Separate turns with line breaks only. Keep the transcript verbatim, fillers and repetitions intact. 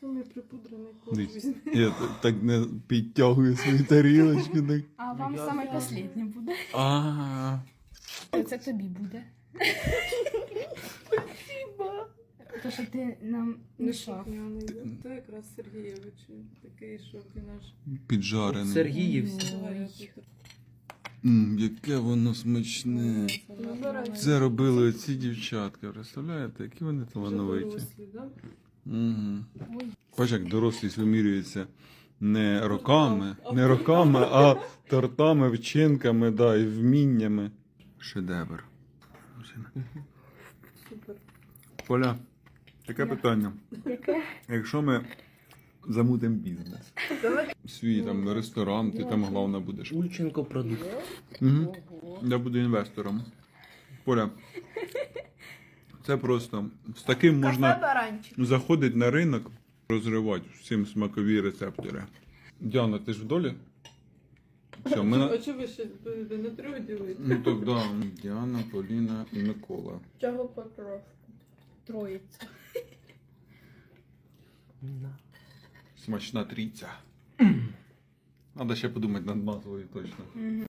Самий припудрений корж
Дивись,
візьми.
я так, так не підтягую свою тарілочку. Так.
А вам
Я
саме
знаю.
останнє буде.
А,
Це тобі буде.
Спасибо.
То, що ти нам мішав.
Неслухняний. Це якраз Сергійович. Такий, що він аж...
піджарений.
Сергіївський.
Давай,
М, яке воно смачне. Це робили ці дівчатка, представляєте, які вони талановиті. Угу.
Ой.
Бач, як дорослість вимірюється не роками, не роками, а тортами, вчинками, да, і вміннями. Шедевр.
Супер.
Поля, таке питання. Якщо ми замутимо бізнес, свій там ресторан, ти там головна будеш.
Ульченко продукт.
Угу. Я буду інвестором. Поля, це просто з таким можна заходити на ринок, розривати всім смакові рецептори. Діана, ти ж в долі? Все, ми на...
А чого ви ще будете на трьох ділити?
Ну так, да. Діана, Поліна і Микола.
Чого потрошку?
Троїця.
Смачна трійця. Треба ще подумати над назвою точно.